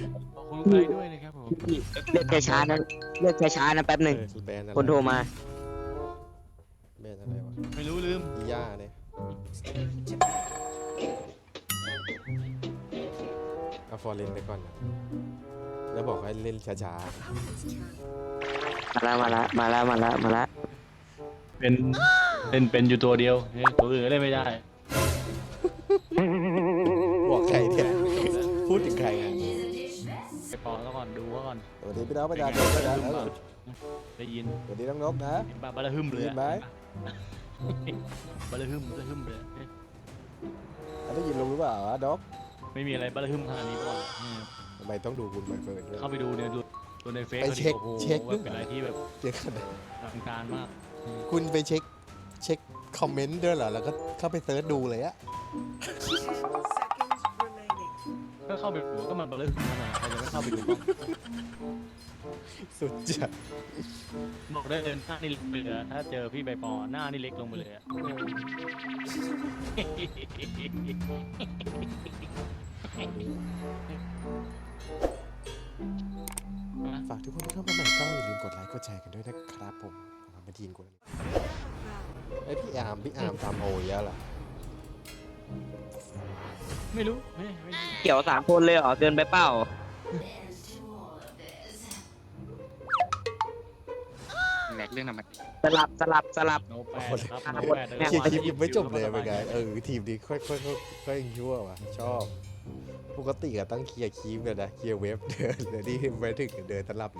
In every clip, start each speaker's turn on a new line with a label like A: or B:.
A: ขอบคุณใครด้วยนะครับผม
B: เลือกช้าๆนะเลือกช้าๆนะแป๊บหนึ่ง
C: แบนอะไร
B: คนโทรมา
C: แบนอะไรวะ
A: ไม่รู้ลืม
C: อีย่าเนี่ยเอาฟอร์เรนไปก่อนนะแล้วบอกให้เล่นช้า
B: มาละ
A: เป็นอยู่ตัวเดียวตัวอื่นก็เล่นไม่ได้
C: ๆบอกใครเนี่ยพูดถึงใครไง
A: ไปปอแล้วก่อนดูก่อน
C: สวัสดีพี่น้องประชาชนด้วยนะ
A: ได้ยิน
C: สวัสดีน้องนกนะ
A: เห็นปะบาระหึมเลย
C: ได้ยินไหม
A: บาระหึมเลย
C: ได้ยินลุงหรือเปล่านก
A: ไม่มีอะไรบาระหึมขนาดนี้ก่อน
C: ทำไมต้องดูคุณใบเฟิร์นด้วย
A: เข้าไปดูเนี่ยดูในเฟซ
C: ไปเช็ค
A: โอ้โห
C: เช็คด้วย
A: เป็นอะไรที่แบบ
C: เดี๋ยวก่อนนะ
A: อลังการมาก
C: คุณไปเช็คคอมเมนต์ด้วยเหรอแล้วก็เข้าไปเซิร์ชดูเลยอะ
A: ก็เข้าไปดูก็มันบาระหึมขนาดใครจะไม่เข้าไปดูบ้าง
C: สุดจัด
A: บอกได้เลยหน้านี่เล็กไปเลยถ้าเจอพี่ใบปอหน้านี่เล็กลงไปเลยอะ
C: ฝากทุกคนที่เข้ามาใหม่ก็อย่าลืมกดไลค์กดแชร์กันด้วยนะครับผมมาทีนกูไอยพี่อาร์มทำโอเยอะเหรอ
A: ไม่รู้ไม่
B: เกี่ยว3 คนเลยเหรอเกินไปเปล่า
D: แหลกเรื่องธรรมดา
B: สลับ
A: โนแปดครับโนแปด
C: เคลียร์คลิปยังไม่จบเลยเป็นไงทีมนี้ค่อยชั่วว่ะชอบปกติก็ต้องเคลียร์คลิปกันนะเคลียร์เว็บเดินเดี๋ยวนี้ไปถึงเดินตลับเลย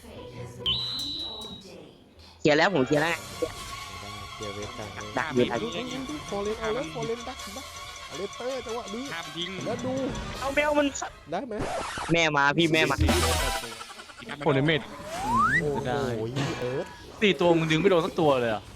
B: เคลียร์แล้วผมเคลียร์แล้ว
C: เคลียร์เว็บกัน
B: ดักอยู่ดัก
C: ฟอร์เรนเอาแล้วฟอร์เรนดักเอาเลเตอร์จังหวะนี้
D: ห้ามทิ้ง
C: แล้วดู
B: เอาแมวมัน
C: ได้ไหม
B: แม่มาพี่แม่มา
A: โคเนเมต
C: โอ้โหเอิร์ธ
A: ตีตัวมึงดึงไม่โดนสักตัวเลยอ่ะ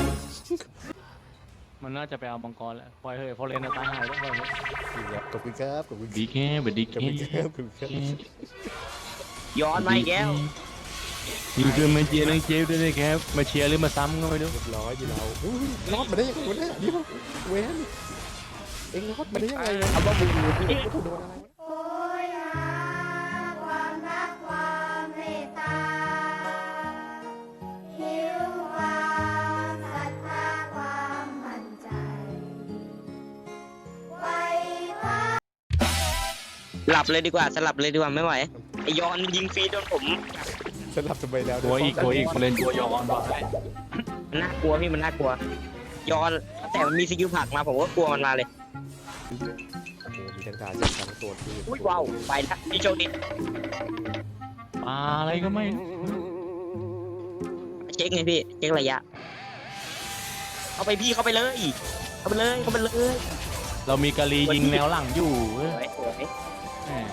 A: มันน่าจะไปเอามังกรแล้วปล่อยเฮ้ยพอเลนตายหายแล้วปล่อยเฮ้ย
C: ขอบคุณครับขอบคุณ
A: ดีแค่แบบดี
C: ขอบ
A: แค่
C: คุณครับขอบคุณครับ
B: ย้อนมาอีกแล้ว
A: ยิงคือมาเชียร์นังเจฟด้วยนะครับมาเชียร์หรือมาซ้ำก็ไม่รู้
C: เรียบร้อยดีเรารอดมาได้ยังไงวะเนี่ยเดี๋ยวเวนเอ็งรอดมาได้ยังไง
B: เอาบ้าบูพี่
C: ถูกโดนอะไร
E: โอยหาความรักความเมตตาหิวความศรัทธาความมั่นใจไว้พา
B: หลับเลยดีกว่าสลับเลยดีกว่าไม่ไหวไอย้อนยิงฟรีโดนผม
C: สลับทำไมแล้ว
A: ตัวอีกพอเลนตัวยอนบอกให้
B: มันน่ากลัวพี่มันน่ากลัวย้อนแต่มันมีสกิลผลักมาผมก็กลัวมันมาเลย
C: โอ้โหมีทั้งตาจากทั้งตัวที่
B: อุ้ยว้าวไปแล้วพี่โชคดี
A: ปลาอะไรก็ไม่
B: เช็คไงพี่เช็คระยะเข้าไปพี่เข้าไปเลยเข้าไปเลย
A: เรามีกะลียิงแนวหลังอยู่
B: สวย
A: แหม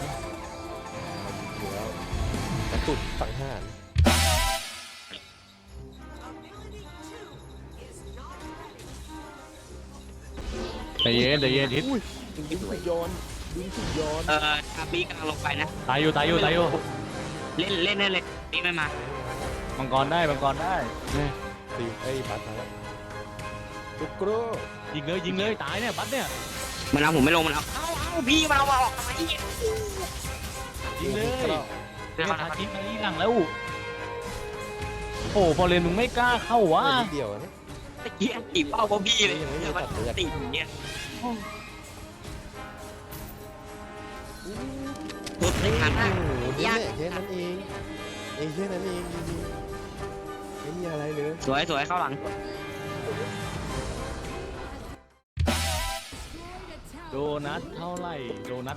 C: อยู่แล้วกระตุกสังหาร
A: ใจเย็นทิศ
C: ดึงถูกโยนดึงถูกโยน
B: คาบีกำลังลงไปนะ
A: ตายอยู่
B: เล่นเลยนี่ไม่มา
A: มังกรได้เนี่ย
C: ตีไอ้บัตรมาจุกโกร
A: ยิงเลยตายเนี่ยบัสเนี่ย
B: มันเอาผมไม่ลงมันเอาพี่มาเอาออกทำไม
A: ยิงเลยเนี่ยทาชิมาลีหลังแล้วโอ้พอเลนมึงไม่กล้าเข้าวะ
C: นิดเดียวนะ
B: ตะกี้ตีเป้าพอพี่เลยมันตีอย่างเงี้ยสุดในงาน
C: โอ้โหนี่แหละแค่นั้นเองแค่นั้นเองจริงๆไม่มีอะไรเลย
B: สวยเข้าหลัง
A: โดนัทเท่าไหร่โดนัท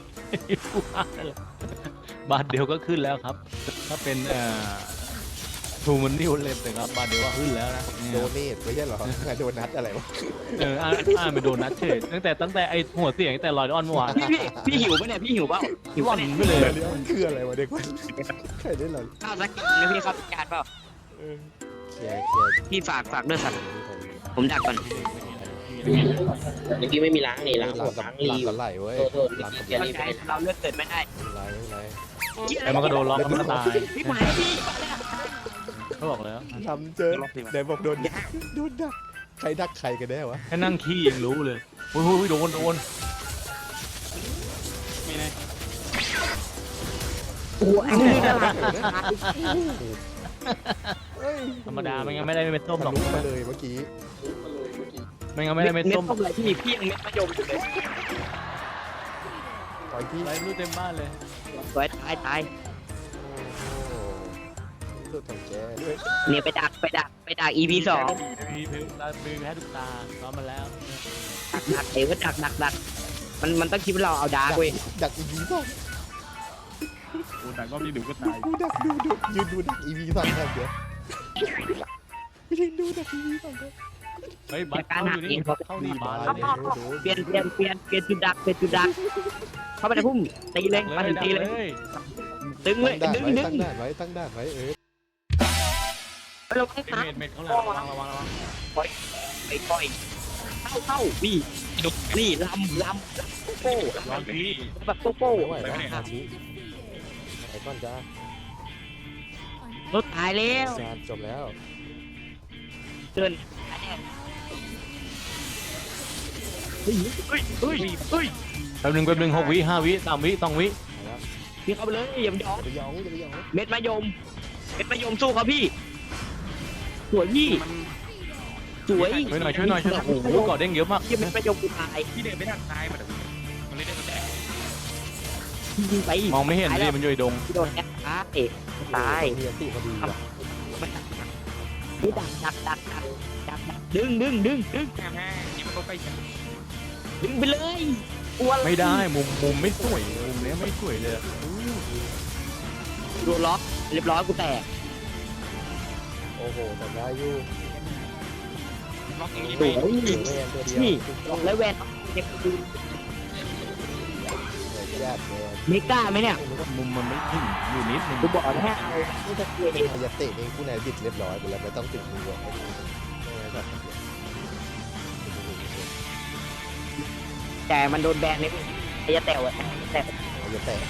A: บาทเดียวก็ขึ้นแล้วครับ ถ้าเป็นทูมันนิวเล็บนะครับบาทเดียวก็ขึ้นแล้วนะ
C: โดเนทไม่ใช่เหรอโดนัทอะไรวะ
A: อ่านเป็นโดนัทเฉยตั้งแต่ไอหัวเสียงแต่ลอยออนเมื่อวาน
B: พี่หิวปะเนี่ยพี่หิวเปล่าหิว
A: วั
B: ปะ
A: น
B: เนี่ย
A: ไม่เลย
C: มันคืออะไรวะเด็กมันใครได้หรอ
B: ข้าวสักการนะพี่ข้าวสักการเปล่า
C: เคลียร์
B: พี่ฝากด้วยสัตว์ผมดักก่อนเมื่อกี้ไม่มีล้างนี่ล้าง
C: หลั
B: หัว
C: งกับ
B: ล้าง
C: หลั
B: รี
C: งกับไหลเว้ย
B: โทษ
C: หลังกับ
B: อย่ารีบเราเลือกเกิดไม่ได้
C: ไหล
A: แต่มันก็โดนล็อกมันก็ตาย
B: พี่หมายพี่
A: เขาบอกแล้ว
C: ทำเจอเดี๋ยวบอกโดนดักใครดักใครกันแน่วะ
A: แค่นั่งขี้ยังรู้เลยโอ้ยโดน
D: ไม่นะ
B: โอ้อันนี้น่ารัก
C: เอ้ย
A: ธรรมดาไม่งั้นไม่ได้เม็ดส้มหรอก
C: ทะลุมาเลยเมื่อกี้
A: ไม่งั้นไม่ได้เม็ดส้ม
B: อะไรที่มีพี่เม็ดมะยมอยู่เลย
C: ปล่อยที่
A: ไรรู้เต็มบ้านเลย
B: สวยตาย
C: โอ้สุดของแกด้วย
B: เนี่ยไปดัก EP 2
A: มีเพลงตามีแพ้ทุกตาซ้อมมาแล้ว
B: ดักเอ๋ก็ดักมันต้องคิดว่าเราเอาดาร์กเว้ย
C: ดักอีวีสอง
D: โอ้แต่ก็มีดูก็ตาย
C: กูดักดูยืนดูดักอีวีสองกันเดี๋ยวไม่ได้ดูดักอีวีสองกัน
A: เฮ้ยบัตรเข้าอยู่นี่เข้าหน้าบ้านเลยเนี่ย
B: เปลี่ยนจุดดักเข้าไปในพุ่มตีเลยมาถึงตีเลยตึงเลย
C: ตั้งด่าน
B: ดึง
C: ไว้ตั้งด่านไว้เออ
B: เราต้อง
A: เป็น
B: ตาม
A: เม็ดเขาหลังระวัง
B: ไปปล่อยเข้านี่นี่ลำโป้
A: วางที่
B: แบบโป้
C: ไม่ไหวแล้วอาชิไอ้ก้อนจ้าร
B: ถตายแล้ว
C: จานจบแล้ว
B: เดินเฮ้ย
A: แป๊บนึง6 วิ 5 วิ3 วิ2 วิ
B: พี่เข้าไปเลยอย่าไปยอม
C: จะไปยองจะไปยอง
B: เม็ดมะยมสู้เขาพี่สวยพี่สวย
A: ช่วยหน่อยโอ้โหกอดเด้งเยอะมาก
B: ที่เม็ดมะยมกูตาย
D: พี่เดินไม่ทันตายมาเดี๋ยวมันเลยได้ตัวแตก
B: ยิงไป
A: มองไม่เห็นดิมันอยู่ในดง
B: โดนแอคตาย
C: มีอันติพอดีว่ะ
B: นี่ดักดึง
D: แม่นี่มันก็ใกล้กัน
B: ดึงไปเลยกลัว
A: ไม่ได้มุมไม่สวยมุมเนี้ยไม่สวยเลย
B: โดนล็อกเรียบร้อยกูแตก
C: โอ้โหทำได้อยู่
D: ล็อกอย่างนี้
B: ส
D: ไป
B: วย
C: เวนตัวเดียว
B: นี่แล้วแวนเด็กดู
C: แยกเลย
B: เมกาไหมเนี่ย
A: มุมมันไม่ถึงอยู่นิดนึง
B: กูบอกแล้วให้เอาไม่จะเกลียด
C: อายาเตะนี่ผู้นายบิดเรียบร้อยไปแล้วไม่ต้องติดมือให้ดูไม่งั้นแบบ
B: แต่มันโดนแบนเลยไอ้ยาแต๋วอะแต่
C: อายาเตะ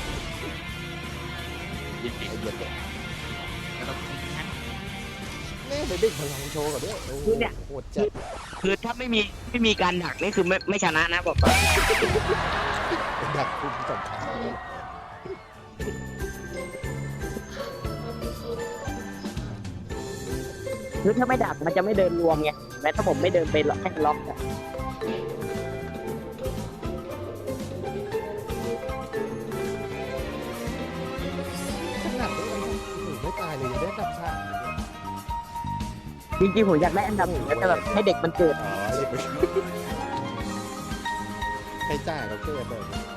D: ยิง
C: อายาเตะ
D: แล้วเรา
C: แม่ไปเด็กพลังโชว์กับด้วยโอ้โหโหดจัด
B: คือถ้าไม่มีการดักนี่คือไม่ชนะนะบอกก่อน
C: ดักคุ้มสำคัญ
B: คือถ้าไม่ดักมันจะไม่เดินรวมไงแม้ถ้าผมไม่เดินไปล็อกให้ล็อกอะ
C: ขนาดนี้ไม่ตายเลยยังได้ดับชา
B: จริงๆผมอยากได้อันดับหนึ่งแล้วแต่แบบให้เด็กมันเกิด
C: อ๋อเด็กไปให้จ่ายเขาเกิดเลย